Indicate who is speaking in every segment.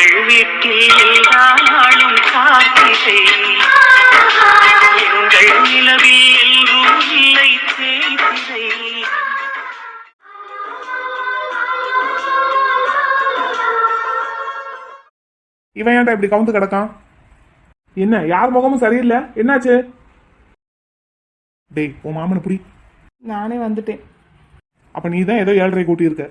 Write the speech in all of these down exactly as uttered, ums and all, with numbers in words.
Speaker 1: எங்கள் வீட்டில் எல்லா நாளும் காத்திரை, எங்கள் நிலவில் எல்லோரும் இல்லை தேய்திரை.
Speaker 2: இவன் ஏன்டா இப்படி கவுந்து கிடக்கான்? என்ன யார் முகமும் சரியில்லை, என்னாச்சு? டேய் உன் மாமனை புடி.
Speaker 3: நானே வந்துட்டேன்.
Speaker 2: அப்ப நீ தான் ஏதோ ஏழரை கூட்டி இருக்க.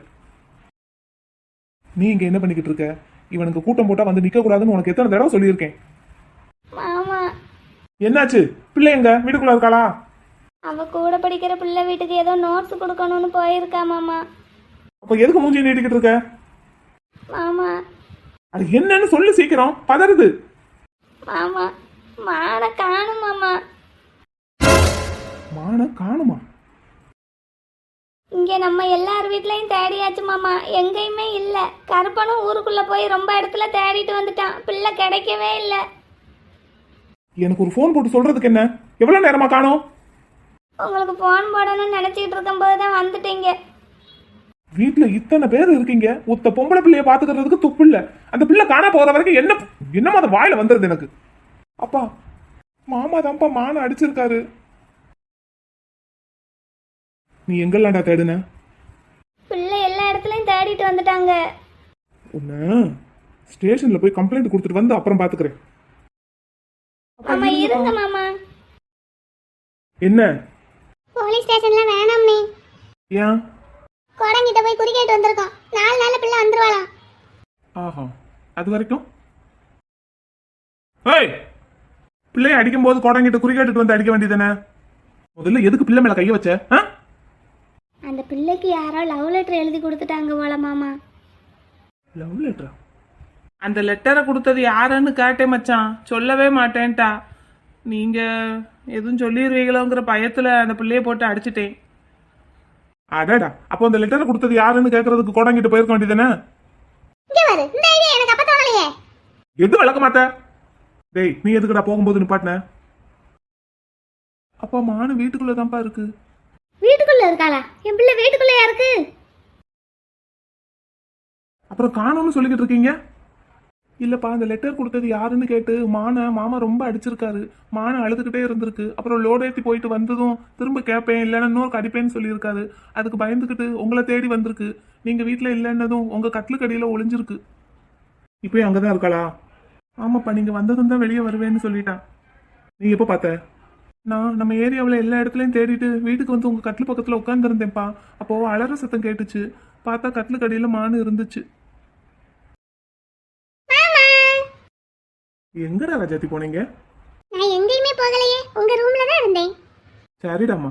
Speaker 2: நீ இங்க என்ன பண்ணிக்கிட்டு இருக்க? இவனுக்கு கூட்டம் போட்டா வந்து நிக்க கூடாதுன்னு உனக்கு எத்தனை தடவை சொல்லியிருக்கேன்.
Speaker 4: மாமா
Speaker 2: என்னாச்சு? பிள்ளை எங்க வீட்டுக்குள்ள இருக்காளா?
Speaker 4: அவ கூட படிக்கிற பிள்ளை வீட்டுக்கு ஏதோ நோட்ஸ் கொடுக்கணும்னு போயிருக்கா மாமா.
Speaker 2: அப்ப எதுக்கு மூஞ்சி நீட்டிக்கிட்டு இருக்க?
Speaker 4: மாமா
Speaker 2: அது என்னன்னு சொல்லு சீக்கிரம், பதறுது.
Speaker 4: மாமா மான காணும் மாமா.
Speaker 2: மான காணுமா?
Speaker 4: இங்க நம்ம எல்லார் வீட்லயும் தேடியாச்சு மாமா, எங்கேயுமே இல்ல. கருப்பனும் ஊருக்குள்ள போய் ரொம்ப இடத்துல தேடிட்டு வந்துட்டான், பிள்ளை கிடைக்கவே இல்லை.
Speaker 2: எனக்கு ஒரு போன் போட்டு சொல்றதுக்கு என்ன? எவ்வளவு நேரமா காணோம்?
Speaker 4: உங்களுக்கு போன் போடணும்னு நினைச்சிட்டு இருக்கும் போதுதான் வந்துட்டீங்க.
Speaker 2: வீட்டுல இத்தனை பேர் இருக்கீங்க, ஒத்த பொம்பளை பிள்ளைய பாத்துக்கிறதுக்கு துப்பு இல்ல. அந்த பிள்ளை காணா போற வரைக்கும் என்ன என்னமா அந்த வாயில வந்துருது எனக்கு. அப்பா மாமா தான்ப்பா மான அடிச்சிருக்காரு. நீ எங்கெல்லாம்டா தேடுன?
Speaker 4: பிள்ளை எல்லா இடத்துலயும் தேடிட்டு வந்துட்டாங்க.
Speaker 2: உன்ன ஸ்டேஷன்ல போய் கம்ப்ளைண்ட் கொடுத்துட்டு வந்து அப்புறம் பாத்துக்கிறேன்.
Speaker 4: மாமா இருங்க மாமா.
Speaker 2: என்ன?
Speaker 4: போலீஸ் ஸ்டேஷன்ல வேணாம் நீ.
Speaker 2: ஏன்?
Speaker 4: கோடங்கிட்ட போய் குறிக்கேட்டு வந்திருக்கோம், நாலு நாள்ல பிள்ளை வந்துருவாளாம்.
Speaker 2: ஆஹா, அது வரைக்கும் ஏய் பிள்ளைய அடிக்கும் போது கோடங்கிட்ட குறிக்கேட்டுட்டு வந்து அடிக்க வேண்டியதானே? முதல்ல எதுக்கு பிள்ளை மேல கைய வச்ச?
Speaker 4: அந்த பிள்ளைக்கு யாரோ லவ் லெட்டர் எழுதி கொடுத்துட்டாங்க போல மாமா.
Speaker 2: லவ் லெட்டரா?
Speaker 3: அந்த லெட்டரை கொடுத்தது யாருன்னு கேட்டேன் மச்சான், சொல்லவே மாட்டேன்ட்டா. நீங்க எதுவும் சொல்லிடுவீங்களோங்கிற பயத்துல அந்த பிள்ளைய போட்டு அடிச்சிட்டேன்.
Speaker 2: அடடா, அப்போ அந்த லெட்டரை கொடுத்தது யாருன்னு கேக்குறதுக்கு கோடங்கிட்ட போயிருக்க வேண்டியதானே? எது விளக்க மாட்ட? டேய் நீ எதுக்குடா போகும்போது நிப்பாட்டின? அப்பா மான வீட்டுக்குள்ளதான்ப்பா இருக்கு.
Speaker 4: வீட்டுக்குள்ள இருக்காளா? என் பிள்ளை வீட்டுக்குள்ளயா இருக்கு?
Speaker 2: அப்புறம் காணோம்னு சொல்லிக்கிட்டு இருக்கீங்க. இல்லப்பா அந்த லெட்டர் கொடுத்தது யாருன்னு கேட்டு மான மாமா ரொம்ப அடிச்சிருக்காரு. மான அழுதுகிட்டே இருந்திருக்கு. அப்புறம் லோடு ஏற்றி போயிட்டு வந்ததும் திரும்ப கேட்பேன் இல்லைன்னா இன்னொரு கடிப்பேன்னு சொல்லியிருக்காரு. அதுக்கு பயந்துக்கிட்டு உங்களை தேடி வந்திருக்கு. நீங்க வீட்டில் இல்லைன்னதும் உங்க கட்லுக்கடியில ஒளிஞ்சிருக்கு. இப்பயும் அங்கதான் இருக்காளா? ஆமாப்பா, நீங்க வந்ததும் தான் வெளியே வருவேன்னு சொல்லிட்டான். நீ எப்போ பார்த்த? நான் நம்ம ஏரியாவில் எல்லா இடத்துலையும் தேடிட்டு வீட்டுக்கு வந்து உங்க கட்லு பக்கத்தில் உட்காந்துருந்தேன்ப்பா. அப்போ அலற சத்தம் கேட்டுச்சு. பார்த்தா கட்லுக்கடியில மானு இருந்துச்சு. எங்கடா ராஜாத்தி போனீங்க?
Speaker 4: நான் எங்கேயுமே போகலையே, உங்க ரூம்ல தான் இருந்தேன்.
Speaker 2: சரிடாமா.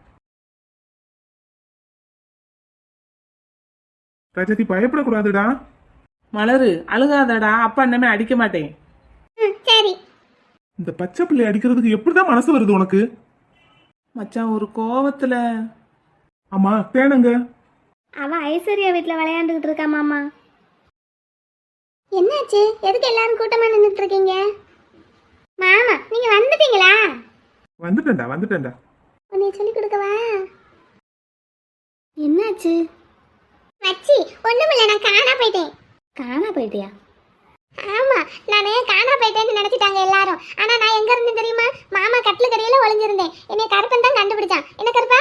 Speaker 2: ராஜாத்தி பயப்படக்கூடாதுடா.
Speaker 3: மலரு அழுகாதடா, அப்பா இன்னமே அடிக்க மாட்டேன்.
Speaker 4: சரி.
Speaker 2: இந்த பச்சை பிள்ளை அடிக்கிறதுக்கு எப்படிதான் மனசு வருது உனக்கு?
Speaker 3: மச்சான் ஒரு கோவத்துல.
Speaker 2: ஆமா தேனுங்க.
Speaker 4: அவன் ஐஸ்வர்யா வீட்டுல விளையாண்டுகிட்டு இருக்கா மாமா. என்னாச்சு? எதுக்கு எல்லாரும் கூட்டமா நின்றுட்டு இருக்கீங்க? மாமா நீங்க வந்துட்டீங்களா?
Speaker 2: வந்துட்டேன்டா வந்துட்டேன்டா.
Speaker 4: உன்னை சொல்லி கொடுக்கவா? என்னாச்சு? மச்சி ஒண்ணுமில்ல, நான் காணா போயிட்டேன். காணா போயிட்டியா? ஆமா, நானே காணா போயிட்டேன்னு நினைச்சிட்டாங்க எல்லாரும். ஆனா நான் எங்க இருந்தேன் தெரியுமா? மாமா கட்லு கடையில ஒளிஞ்சிருந்தேன். என்னை கருப்பன் தான் கண்டுபிடிச்சான். என்ன கருப்பா?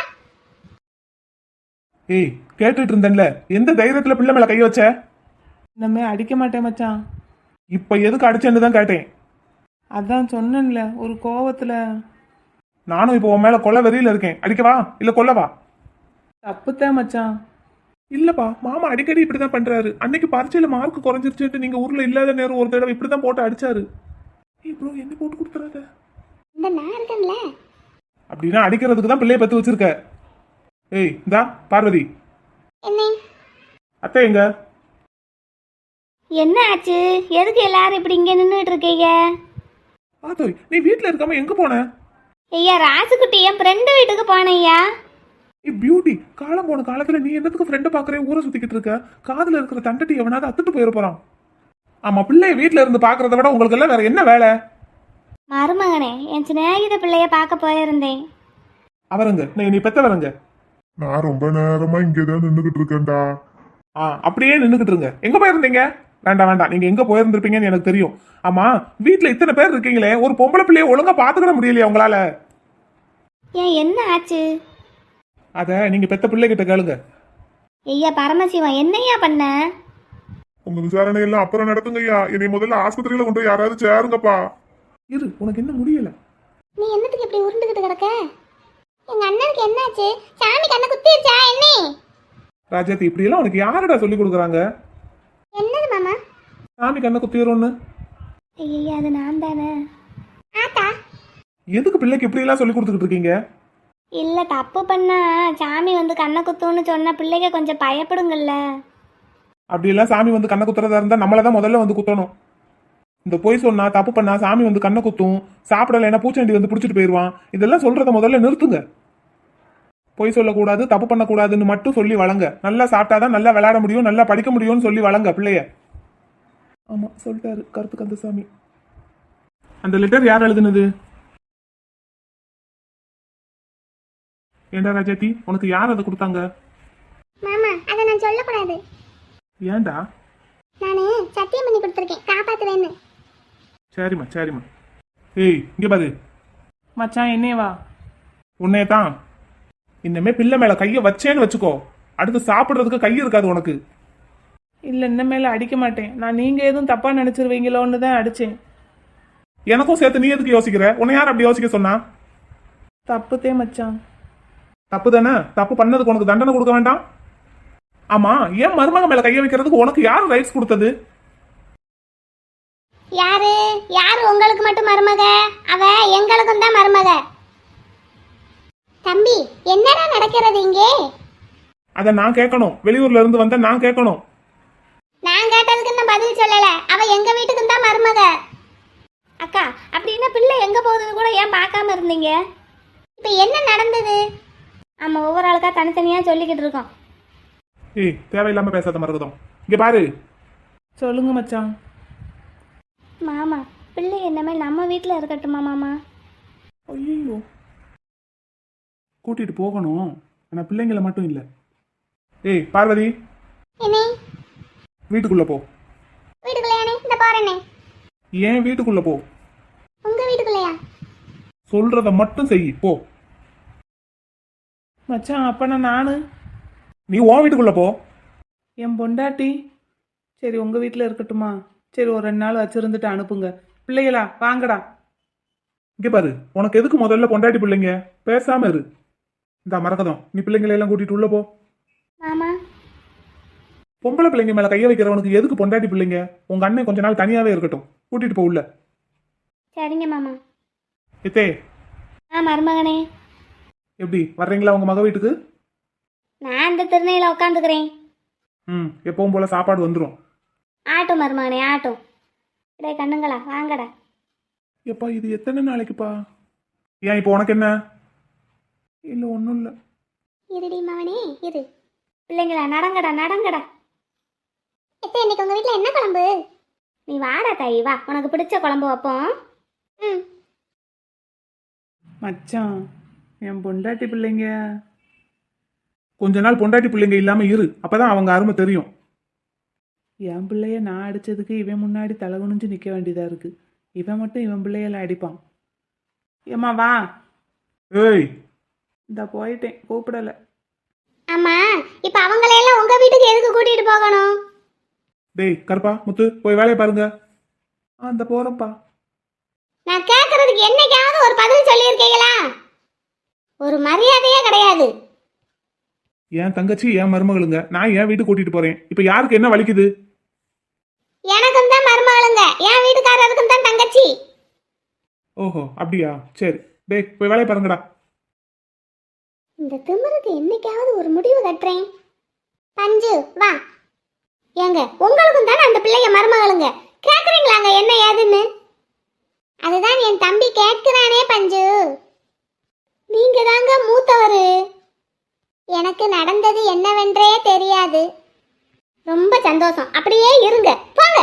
Speaker 2: ஏய் கேட்டுட்டு இருந்தேன்ல, எந்த தைரியத்துல பிள்ளை மேல கை வச்ச?
Speaker 3: இன்னமே அடிக்க மாட்டேன் மச்சான்.
Speaker 2: இப்ப எதுக்கு அடிச்சேன்னு தான் கேட்டேன்.
Speaker 3: அதான் சொன்னேன்ல ஒரு கோவத்துல.
Speaker 2: நானும் இப்போ உன் மேல கொலை வெறியில இருக்கேன். அடிக்கவா இல்ல கொல்லவா?
Speaker 3: தப்புத்தான் மச்சான்.
Speaker 2: இல்லப்பா, மாமா அடிக்கடி இப்படிதான் பண்றாரு. அன்னைக்கு பரீட்சையில மார்க் குறைஞ்சிருச்சுட்டு நீங்க ஊர்ல இல்லாத நேரம் ஒரு தடவை இப்படிதான் போட்டு அடிச்சாரு. ஏய் ப்ரோ, என்ன போட்டு கொடுத்துறாத?
Speaker 4: இந்த நான் இருக்கேன்ல.
Speaker 2: அப்படின்னா அடிக்கிறதுக்கு தான் பிள்ளைய பத்து வச்சிருக்க. ஏய் இந்தா பார்வதி.
Speaker 4: என்ன?
Speaker 2: அத்தை எங்க?
Speaker 4: என்ன ஆச்சு? எதுக்கு எல்லாரும் இப்படி இங்க நின்னுட்டு இருக்கீங்க?
Speaker 2: ஆத்தோய், நீ வீட்ல இருக்காம எங்க போன?
Speaker 4: ஐயா ராசுக்குட்டி என் ஃப்ரெண்டு வீட்டுக்கு போனையா.
Speaker 2: ஏய் பியூட்டி, காலம் போன காலத்துல நீ என்னத்துக்கு ஃப்ரெண்டை பாக்குறேன் ஊரை சுத்திக்கிட்டு இருக்க? காதுல இருக்கிற தண்டட்டி எவனாவது அத்துட்டு போயிட போறான். ஆமா, பிள்ளைய வீட்டுல இருந்து பாக்குறத விட உங்களுக்கு எல்லாம் வேற என்ன வேலை?
Speaker 4: மருமகனே, என் சிநேகித பிள்ளைய பார்க்க போயிருந்தேன்.
Speaker 2: அவருங்க நீ பெத்தவருங்க.
Speaker 5: நான் ரொம்ப நேரமா இங்கதான் நின்னுகிட்டு இருக்கேன்டா.
Speaker 2: ஆ அப்படியே நின்னுகிட்டு இருங்க. எங்க போயிருந்தீங்க? வேண்டாம் வேண்டாம், நீங்க எங்க போயிருந்திருப்பீங்கன்னு எனக்கு தெரியும். ஆமா, வீட்டுல இத்தனை பேர் இருக்கீங்களே, ஒரு பொம்பளை பிள்ளைய ஒழுங்கா பாத்துக்கிட முடியலையா உங்களால?
Speaker 4: ஏன் என்ன ஆச்சு?
Speaker 2: அத நீங்க பெத்த பிள்ளைகிட்ட கேளுங்க.
Speaker 4: ஐயா பரமசிவம், என்னையா பண்ண?
Speaker 5: உங்க விசாரணை எல்லாம் அப்புறம் நடத்துங்க ஐயா. என்னை முதல்ல ஆஸ்பத்திரியில கொண்டு போய் யாராவது சேருங்கப்பா.
Speaker 2: இரு, உனக்கு என்ன முடியல?
Speaker 4: நீ என்னத்துக்கு இப்படி உருண்டுகிட்டு கிடக்க? எங்க அண்ணனுக்கு என்னாச்சு? சாமி கண்ணை குத்திருச்சா என்ன?
Speaker 2: ராஜாத்தி, இப்படி எல்லாம் உனக்கு யாருடா சொல்லி கொடுக்குறாங்க?
Speaker 4: என்னது மாமா?
Speaker 2: சாமி கண்ணை குத்திடும்னு.
Speaker 4: ஐயா அது நான் தானே. ஆத்தா,
Speaker 2: எதுக்கு பிள்ளைக்கு இப்படி எல்லாம் சொல்லி கொடுத்துக்கிட்டு இருக்கீங்க?
Speaker 4: இல்ல தப்பு பண்ணா சாமி வந்து கண்ணை குத்துன்னு சொன்ன பிள்ளைங்க கொஞ்சம் பயப்படுங்கல்ல.
Speaker 2: அப்படி எல்லாம் சாமி வந்து கண்ணை குத்துறதா இருந்தா நம்மள தான் முதல்ல வந்து குத்தணும். இந்த பொய் சொன்னா தப்பு பண்ணா சாமி வந்து கண்ணை குத்தும், சாப்பிடலைன்னா பூச்செண்டி வந்து பிடிச்சிட்டு போயிடுவான். இதெல்லாம் சொல்றத முதல்ல நிறுத்துங்க. பொய் சொல்லக்கூடாது, தப்பு பண்ணக்கூடாதுன்னு மட்டும் சொல்லி வளங்க. நல்லா சாப்பிட்டாதான் நல்லா விளையாட முடியும், நல்லா படிக்க முடியும்னு சொல்லி வளங்க பிள்ளைய. ஆமா, சொல்லிட்டாரு கருத்து கந்தசாமி. அந்த லெட்டர் யார் எழுதுனது? ஏண்டா ராஜாத்தி, உனக்கு யார் அதை கொடுத்தாங்க?
Speaker 4: மாமா அதை நான் சொல்லக்கூடாது.
Speaker 2: ஏண்டா?
Speaker 4: நானு சத்தியம் பண்ணி கொடுத்துருக்கேன், காப்பாத்துவேன்னு.
Speaker 2: சரிம்மா சரிம்மா. ஏய், இங்க பாரு.
Speaker 3: மச்சான் என்னே வா.
Speaker 2: உன்னைய தான். இன்னமே பிள்ளை மேல கைய வச்சேன்னு வச்சுக்கோ, அடுத்து சாப்பிடுறதுக்கு கை இருக்காது உனக்கு.
Speaker 3: இல்லை இனிமேல அடிக்க மாட்டேன். நான் நீங்கள் எதுவும் தப்பாக நினச்சிருவீங்களோன்னு தான் அடித்தேன்.
Speaker 2: எனக்கும் சேர்த்து நீ எதுக்கு யோசிக்கிற? உன்னை யார் அப்படி யோசிக்க சொன்னா?
Speaker 3: தப்புத்தே மச்சான்.
Speaker 2: தப்பு தானே? தப்பு பண்ணதுக்கு உனக்கு தண்டனை கொடுக்க வேண்டாம்? ஆமா, ஏன் மருமக மேல கைய வைக்கிறதுக்கு உனக்கு யாரு ரைட்ஸ் கொடுத்தது?
Speaker 4: யாரு யாரு உங்களுக்கு மட்டும் மருமக? அவ எங்களுக்கும் தான் மருமக. தம்பி, என்னடா நடக்கிறது இங்கே?
Speaker 2: அத நான் கேட்கணும். வெளியூர்ல இருந்து வந்த நான் கேட்கணும்.
Speaker 4: நான் கேட்டதுக்கு நான் பதில் சொல்லல. அவ எங்க வீட்டுக்கு தான் மருமக. அக்கா, அப்படின்னா பிள்ளை எங்க போகுதுன்னு கூட ஏன் பார்க்காம இருந்தீங்க? இப்ப என்ன நடந்தது? ஆமா, ஒவ்வொரு ஆளுக்கா தனித்தனியா சொல்லிக்கிட்டு இருக்கோம்.
Speaker 2: ஏய், தேவையில்லாம பேசாத மருகதம். இங்க பாரு.
Speaker 3: சொல்லுங்க மச்சான்.
Speaker 4: மாமா, பிள்ளை என்னமே நம்ம வீட்டில் இருக்கட்டுமா மாமா?
Speaker 2: ஐயோ, கூட்டிட்டு போகணும். ஆனா பிள்ளைங்களை மட்டும் இல்ல. ஏய் பார்வதி,
Speaker 4: என்ன?
Speaker 2: வீட்டுக்குள்ள போ.
Speaker 4: வீட்டுக்குள்ளையானே? இந்த பாருண்ணே.
Speaker 2: ஏன் வீட்டுக்குள்ள போ?
Speaker 4: உங்க வீட்டுக்குள்ளையா?
Speaker 2: சொல்றத மட்டும் செய், போ.
Speaker 3: மச்சான், அப்பனா நானு?
Speaker 2: நீ உன் வீட்டுக்குள்ள போ.
Speaker 3: என் பொண்டாட்டி? சரி, உங்கள் வீட்டில் இருக்கட்டுமா? சரி, ஒரு ரெண்டு நாள் வச்சிருந்துட்டு அனுப்புங்க. பிள்ளைகளா வாங்கடா.
Speaker 2: இங்க பாரு, உனக்கு எதுக்கு முதல்ல பொண்டாட்டி பிள்ளைங்க? பேசாம இரு. இந்த மரகதம், நீ பிள்ளைங்களை எல்லாம் கூட்டிட்டு உள்ள போ.
Speaker 4: மாமா,
Speaker 2: பொம்பளை பிள்ளைங்க மேல கைய வைக்கிறவனுக்கு எதுக்கு பொண்டாட்டி பிள்ளைங்க? உங்க அண்ணன் கொஞ்ச நாள் தனியாவே இருக்கட்டும், கூட்டிட்டு போ உள்ள.
Speaker 4: சரிங்க மாமா.
Speaker 2: இத்தே,
Speaker 4: ஆ மருமகனே,
Speaker 2: எப்படி வர்றீங்களா உங்க மக வீட்டுக்கு?
Speaker 4: நான் இந்த திருநையில உட்காந்துக்கிறேன்.
Speaker 2: ம், எப்பவும் போல சாப்பாடு வந்துடும்.
Speaker 4: ஆட்டும் மருமகனே, ஆட்டும். இடே கண்ணுங்களா, வாங்கடா.
Speaker 2: எப்பா, இது எத்தனை நாளைக்குப்பா? ஏன் இப்போ உனக்கு என்ன? இல்ல ஒன்றும் இல்லை.
Speaker 4: இருடி மவனே இரு. பிள்ளைங்களா நடங்கடா நடங்கடா. எத்த இன்னைக்கு உங்க வீட்டில் என்ன குழம்பு? நீ வாடா தாயி, வா, உனக்கு பிடிச்ச குழம்பு வைப்போம். ம்.
Speaker 3: மச்சான், என் பொண்டாட்டி பிள்ளைங்க.
Speaker 2: கொஞ்ச நாள் பொண்டாட்டி பிள்ளைங்க இல்லாம இரு, அப்பதான் அவங்க அருமை தெரியும்.
Speaker 3: என் பிள்ளைய நான் அடிச்சதுக்கு இவன் முன்னாடி தலை குனிஞ்சு நிற்க வேண்டியதா இருக்கு. இவன் மட்டும் இவன் பிள்ளையெல்லாம் அடிப்பான். ஏம்மா வா.
Speaker 2: ஏய்,
Speaker 3: இந்த போயிட்டேன், கூப்பிடல.
Speaker 4: ஆமா, இப்ப அவங்களையெல்லாம் உங்க வீட்டுக்கு எதுக்கு கூட்டிட்டு போகணும்?
Speaker 2: டேய் கருப்பா, முத்து, போய் வேலையை பாருங்க. ஆ, இந்த போறப்பா.
Speaker 4: நான் கேட்கறதுக்கு என்னைக்காவது ஒரு பதில் சொல்லியிருக்கீங்களா? ஒரு மரியாதையே கிடையாது.
Speaker 2: என் தங்கச்சி என் மருமகளுங்க, நான் என் வீட்டுக்கு கூட்டிட்டு போறேன். இப்ப யாருக்கு என்ன வலிக்குது?
Speaker 4: எனக்கும் தான் மருமகளுங்க, என் வீட்டுக்காரருக்கும் தான் தங்கச்சி.
Speaker 2: ஓஹோ, அப்படியா? சரி, டேய் போய் வேலையை பாருங்கடா.
Speaker 4: இந்த திமிருக்கு என்னைக்காவது ஒரு முடிவு கட்டுறேன். பஞ்சு வா. ஏங்க, உங்களுக்கும் தானே அந்த பிள்ளைங்க மருமகளுங்க, கேக்குறீங்களாங்க என்ன ஏதுன்னு? அதுதான் என் தம்பி கேட்கிறானே பஞ்சு. நீங்க தாங்க மூத்தவரு. எனக்கு நடந்தது என்னவென்றே தெரியாது. ரொம்ப சந்தோஷம், அப்படியே இருங்க, போங்க.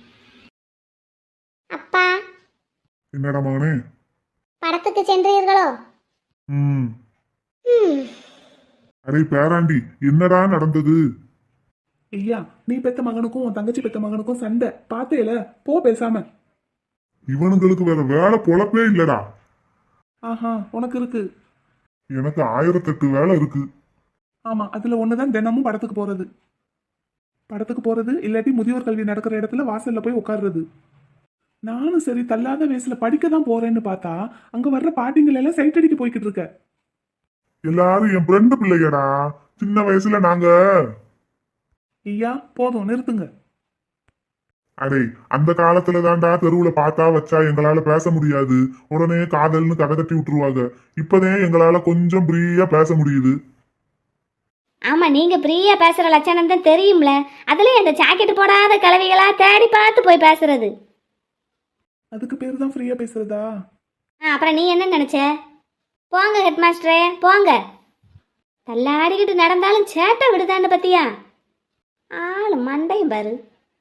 Speaker 4: அப்பா,
Speaker 5: என்னடா மகனே?
Speaker 4: படத்துக்கு சென்றீர்களோ?
Speaker 5: ம்.
Speaker 4: ம்.
Speaker 5: அடே பேராண்டி, என்னடா நடந்தது?
Speaker 2: ஐயா நீ பெத்த மகனுக்கும் உன் தங்கச்சி பெத்த மகனுக்கும் சண்டை பார்த்தேல, போ பேசாம.
Speaker 5: இவனுங்களுக்கு வேற வேலை பொழப்பே இல்லடா.
Speaker 2: ஆஹா உனக்கு இருக்கு.
Speaker 5: எனக்கு ஆயிரத்தெட்டு வேலை இருக்கு.
Speaker 2: ஆமா அதுல ஒண்ணுதான் தினமும் படத்துக்கு போறது. படத்துக்கு போறது இல்லாட்டி முதியோர் கல்வி நடக்கிற இடத்துல வாசல்ல போய் உட்கார்றது. நானும் சரி தள்ளாத வயசுல படிக்க தான் போறேன்னு பார்த்தா அங்க வர்ற பாட்டிங்கள் எல்லாம் சைட் அடிக்க போய்கிட்டு இருக்க.
Speaker 5: எல்லாரும் என் ஃப்ரெண்டு பிள்ளையடா. சின்ன வயசுல நாங்க
Speaker 2: ஐயா போதும் நிறுத்துங்க.
Speaker 5: அடே அந்த காலத்துல தான்டா தெருவுல பார்த்தா வச்சா எங்களால பேச முடியாது, உடனே காதல்னு கதை கட்டி விட்டுருவாங்க. இப்பதான் எங்களால கொஞ்சம் ஃப்ரீயா பேச முடியுது.
Speaker 4: ஆமா நீங்க ஃப்ரீயா பேசுற லட்சணம் தான் தெரியும்ல. அதுலயும் அந்த ஜாக்கெட் போடாத கிழவிகளா தேடி பார்த்து போய் பேசுறது.
Speaker 2: அதுக்கு பேர் தான் ஃப்ரீயா பேசுறதா?
Speaker 4: ஆ, அப்புறம் நீ என்ன நினைச்ச? போங்க ஹெட் மாஸ்டரே போங்க. தள்ளாடிக்கிட்டு நடந்தாலும் சேட்டை விடுதான்னு பத்தியா? ஆளு மண்டையும் பாரு.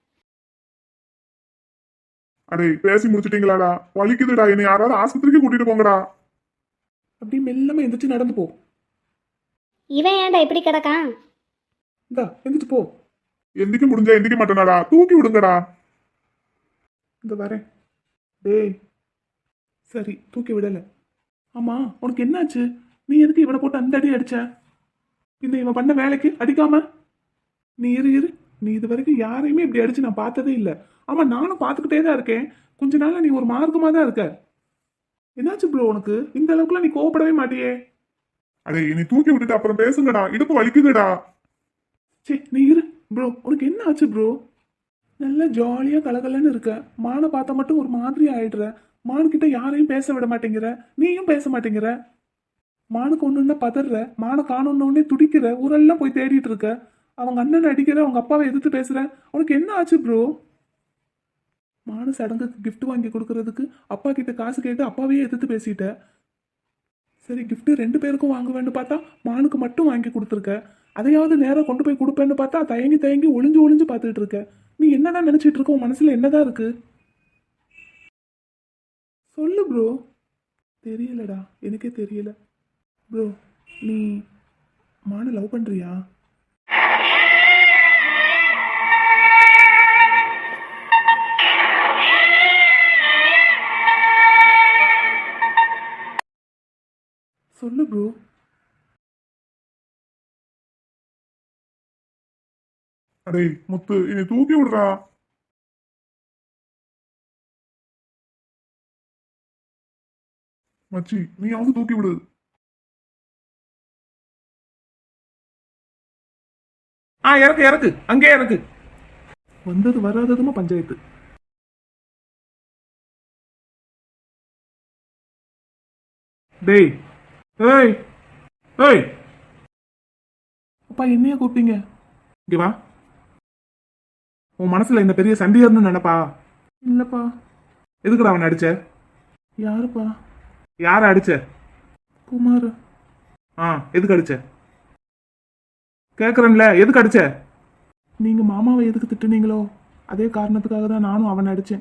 Speaker 5: அடே பேசி முடிச்சிட்டீங்களாடா? வலிக்குதுடா, என்னை யாராவது ஆஸ்பத்திரிக்கு கூட்டிட்டு போங்கடா.
Speaker 2: அப்படி மெல்லமா எந்திரிச்சு நடந்து போ.
Speaker 4: இவன் ஏன்டா இப்படி கிடக்கான்?
Speaker 2: இந்தா எந்திரிச்சு போ.
Speaker 5: எந்திக்க முடிஞ்சா எந்திக்க மாட்டேனாடா, தூக்கி விடுங்கடா.
Speaker 2: இந்த வரேன். டேய் சரி தூக்கி விடல. ஆமா உனக்கு என்னாச்சு? நீ எதுக்கு இவனை போட்டு அந்த அடி அடிச்ச? இந்த இவன் பண்ண வேலைக்கு அடிக்காம? நீ இரு இரு, நீ இது வரைக்கும் யாரையுமே இப்படி அடிச்சு நான் பார்த்ததே இல்லை. ஆமா நானும் பார்த்துக்கிட்டே தான் இருக்கேன். கொஞ்ச நாள்ல நீ ஒரு மார்க்கமா தான் இருக்க. என்னாச்சு ப்ரோ உனக்கு? இந்த அளவுக்குலாம் நீ கோவப்படவே மாட்டியே.
Speaker 5: அடே என்னை தூக்கி விட்டுட்டு அப்புறம் பேசுங்கடா, இடுப்பு வலிக்குதுடா.
Speaker 2: சே நீ இரு ப்ரோ, உனக்கு என்ன ஆச்சு ப்ரோ? நல்லா ஜாலியா கலகலன்னு இருக்க, மானை பார்த்தா மட்டும் ஒரு மாதிரி ஆயிடுற. மானுக்கிட்ட யாரையும் பேச விட மாட்டேங்கிற, நீயும் பேச மாட்டேங்கிற. மானுக்கு ஒண்ணுன்னா பதற, மானை காணொன்னே துடிக்கிற, ஊரெல்லாம் போய் தேடிட்டு இருக்க. அவங்க அண்ணன் அடிக்கிற, அவங்க அப்பாவை எதிர்த்து பேசுற. உனக்கு என்ன ஆச்சு ப்ரோ? மானு சடங்குக்கு gift வாங்கி கொடுக்கறதுக்கு அப்பா கிட்ட காசு கேட்டு அப்பாவையே எதிர்த்து பேசிட்ட. சரி gift ரெண்டு பேருக்கும் வாங்குவேன்னு பார்த்தா மானுக்கு மட்டும் வாங்கி கொடுத்துருக்க. அதையாவது நேரம் கொண்டு போய் கொடுப்பேன்னு பார்த்தா தயங்கி தயங்கி ஒளிஞ்சு ஒளிஞ்சு பார்த்துட்டு இருக்க. நீ என்னதான் நினைச்சிட்டு இருக்க? உன் மனசுல என்னதான் இருக்கு சொல்லு ப்ரோ. தெரியலடா, எனக்கே தெரியல. ப்ரோ நீ மானை லவ் பண்றியா? சொல்லு ப்ரோ.
Speaker 5: அடே முத்து, என்னை தூக்கி விடுறா. மச்சி நீயாவது தூக்கி விடு.
Speaker 2: ஆ இறக்கு இறக்கு, அங்கே இறக்கு. வந்தது வராததுமா பஞ்சாயத்து. டேய் ஏய் ஏய், அப்பா என்னைய கூப்பிட்டீங்க? இங்க வா. உன் மனசுல இந்த பெரிய சண்டியர்னு நினைப்பா? இல்லப்பா. எதுக்குடா அவனை அடிச்ச? யாருப்பா? யார அடிச்ச? குமார். ஆ எதுக்கு அடிச்ச? கேக்குறேன்ல, எதுக்கு அடிச்ச? நீங்க மாமாவை எதுக்கு திட்டுனீங்களோ அதே காரணத்துக்காக தான் நானும் அவனை அடிச்சேன்.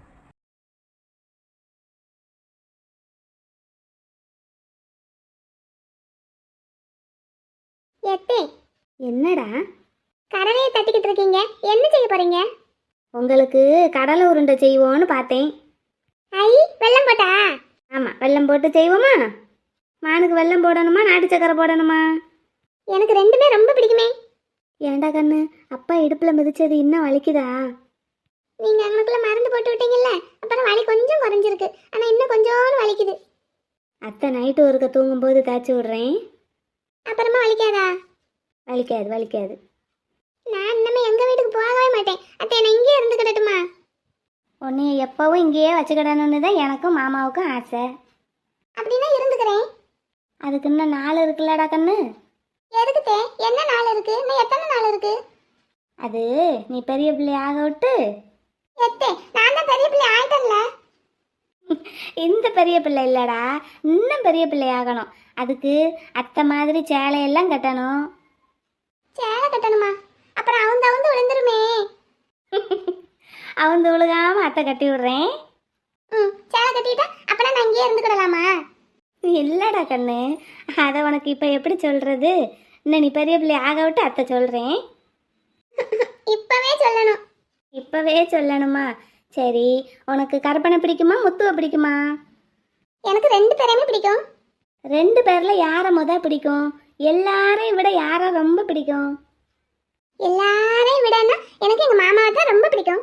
Speaker 4: எத்தே என்னடா கடலையை தட்டிக்கிட்டு இருக்கீங்க? என்ன செய்ய போறீங்க? உங்களுக்கு கடலை உருண்டை செய்வோன்னு பார்த்தேன். ஐ வெல்லம் போட்டா? ஆமா வெல்லம் போட்டு செய்வோமா? மானுக்கு வெல்லம் போடணுமா நாட்டு சக்கரை போடணுமா? எனக்கு ரெண்டுமே ரொம்ப பிடிக்குமே. ஏண்டா கண்ணு, அப்பா இடுப்புல மிதிச்சது இன்னும் வலிக்குதா? நீங்க அங்கனுக்குள்ள மருந்து போட்டு விட்டீங்கல்ல, அப்புறம் வலி கொஞ்சம் குறைஞ்சிருக்கு. ஆனா இன்னும் கொஞ்சோண்டு வலிக்குது. அத்தை நைட்டு ஒருக்க தூங்கும்போது தேய்ச்சி விடுறேன். அப்புறமா வலிக்காதா? வலிக்காது வலிக்காது. நான் இன்னமே எங்க வீட்டுக்கு போகவே மாட்டேன். அத்தை நான் இங்கேயே இருந்துக்கிடட்டுமா? உன்னைய எப்பவும் இங்கேயே வச்சுக்கிடணும்னு தான் எனக்கும் மாமாவுக்கும் ஆசை. அப்படின்னா இருந்துக்கிறேன். அதுக்கு இன்னும் நாள் இருக்குல்லடா கண்ணு. எதுக்குத்தே? என்ன நாள் இருக்கு? இன்னும் எத்தனை நாள் இருக்கு? அது நீ பெரிய பிள்ளை ஆக விட்டு. எத்தே நான் தான் பெரிய பிள்ளை ஆயிட்டேன்ல. இந்த பெரிய பிள்ளை இல்லடா, இன்னும் பெரிய பிள்ளை ஆகணும். அதுக்கு அத்தை மாதிரி சேலையெல்லாம் கட்டணும். சேலை கட்டணுமா? அப்புறம் அவங்க வந்து விழுந்துருமே. அவங்க விழுகாம அத்தை கட்டி விடுறேன். ம் சேலை கட்டிட்டா அப்புறம் நான் இங்கேயே இருந்துக்கிடலாமா? இல்லடா கண்ணு, அதை உனக்கு இப்போ எப்படி சொல்றது? இன்னும் நீ பெரிய பிள்ளை ஆக விட்டு அத்தை சொல்றேன். இப்பவே சொல்லணும். இப்பவே சொல்லணுமா? சரி, உனக்கு கருப்பனை பிடிக்குமா முத்துவை பிடிக்குமா? எனக்கு ரெண்டு பேரையுமே பிடிக்கும். ரெண்டு பேர்ல யாரை முத பிடிக்கும்? எல்லாரையும் விட யாரை ரொம்ப பிடிக்கும்? எல்லாரையும் விடன்னா எனக்கு எங்க மாமாவை தான் ரொம்ப பிடிக்கும்.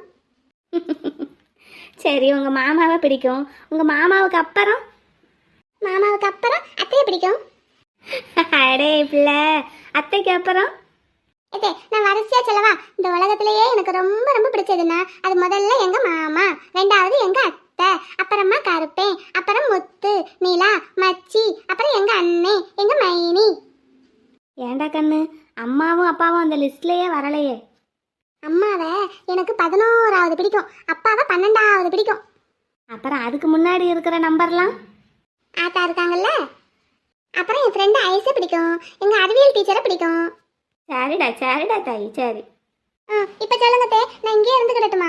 Speaker 4: சரி, உங்க மாமாவை பிடிக்கும். உங்க மாமாவுக்கு அப்புறம்? மாமாவுக்கு அப்புறம் அத்தையை பிடிக்கும். அடே பிள்ளை, அத்தைக்கு அப்புறம்? ஏதே நான் வரிசையா சொல்லவா? இந்த உலகத்திலேயே எனக்கு ரொம்ப ரொம்ப பிடிச்சதுன்னா அது முதல்ல எங்க மாமா, ரெண்டாவது எங்க அத்தை, அப்புறமா கருப்பேன், அப்புறம் முத்து, நீலா, மச்சி, அப்புறம் எங்க அண்ணே, எங்க மைனி. ஏண்டா கண்ணு, அம்மாவும் அப்பாவும் அந்த லிஸ்ட்லயே வரலையே. அம்மாவை எனக்கு பதினோராவது பிடிக்கும், அப்பாவை பன்னெண்டாவது பிடிக்கும். அப்புறம் அதுக்கு முன்னாடி இருக்கிற நம்பர்லாம்? ஆத்தா இருக்காங்கல்ல. அப்புறம் என் ஃப்ரெண்டு ஐஸை பிடிக்கும், எங்க அறிவியல் டீச்சரை பிடிக்கும். சரிடா சரிடா தாயி, சரி. ஆ இப்போ சொல்லுங்க தே, நான் இங்கே இருந்துக்கிடட்டுமா?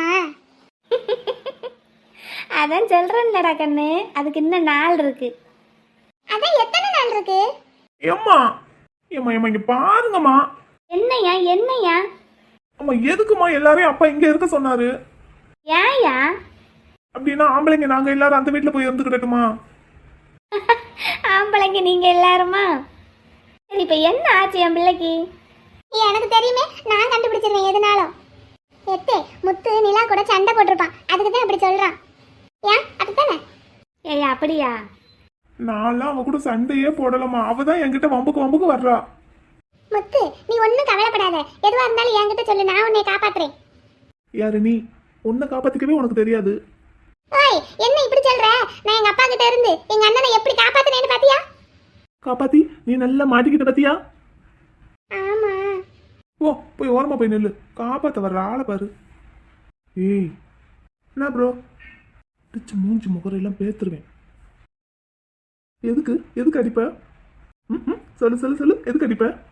Speaker 4: அதான் சொல்றேன்லடா கண்ணு, அதுக்கு இன்னும் நாள் இருக்கு. அதான் எத்தனை நாள் இருக்கு?
Speaker 2: ஏம்மா ஏம்மா ஏம்மா இங்க பாருங்கம்மா.
Speaker 4: என்னையா என்னையா?
Speaker 2: அம்மா எதுக்குமா எல்லாரையும் அப்பா இங்க இருக்க சொன்னாரு?
Speaker 4: ஏன்யா?
Speaker 2: அப்படின்னா ஆம்பளைங்க நாங்க எல்லாரும் அந்த வீட்டுல போய் இருந்துக்கிடட்டுமா?
Speaker 4: ஆம்பளைங்க நீங்க எல்லாருமா? சரி, இப்போ என்ன ஆச்சு என் பிள்ளைக்கு? எனக்கு தெரியுமே, நான் கண்டுபிடிச்சிருவேன் எதுனாலும். எத்தே முத்து நிலா கூட சண்டை போட்டிருப்பான், அதுக்கு தான் அப்படி சொல்றான். ஏன் அப்படித்தானே? ஏய் அப்படியா?
Speaker 2: நான்லாம் அவ கூட சண்டையே போடலாமா, அவதான் என்கிட்ட வம்புக்கு வம்புக்கு வர்றா.
Speaker 4: முத்து நீ ஒன்றும் கவலைப்படாத, எதுவாக இருந்தாலும் என்கிட்ட சொல்லு, நான் உன்னை காப்பாத்துறேன்.
Speaker 2: யாரு நீ? உன்னை காப்பாத்திக்கவே உனக்கு தெரியாது.
Speaker 4: ஓய் என்ன இப்படி சொல்ற? நான் எங்க அப்பா கிட்ட இருந்து எங்க அண்ணனை எப்படி காப்பாத்துனேன்னு பாத்தியா?
Speaker 2: காப்பாத்தி நீ நல்லா மாட்டிக்கிட்ட பத்தியா?
Speaker 4: ஆமா.
Speaker 2: ஓ போய் ஓரமா போய் நெல்லு, காப்பாத்த வர்ற ஆளை பாரு. ஏய் என்ன ப்ரோ, டிச்சு மூஞ்சி முகரெல்லாம் பேத்துருவேன். எதுக்கு எதுக்கு அடிப்ப? ம் சொல்லு சொல்லு சொல்லு, எதுக்கு அடிப்ப?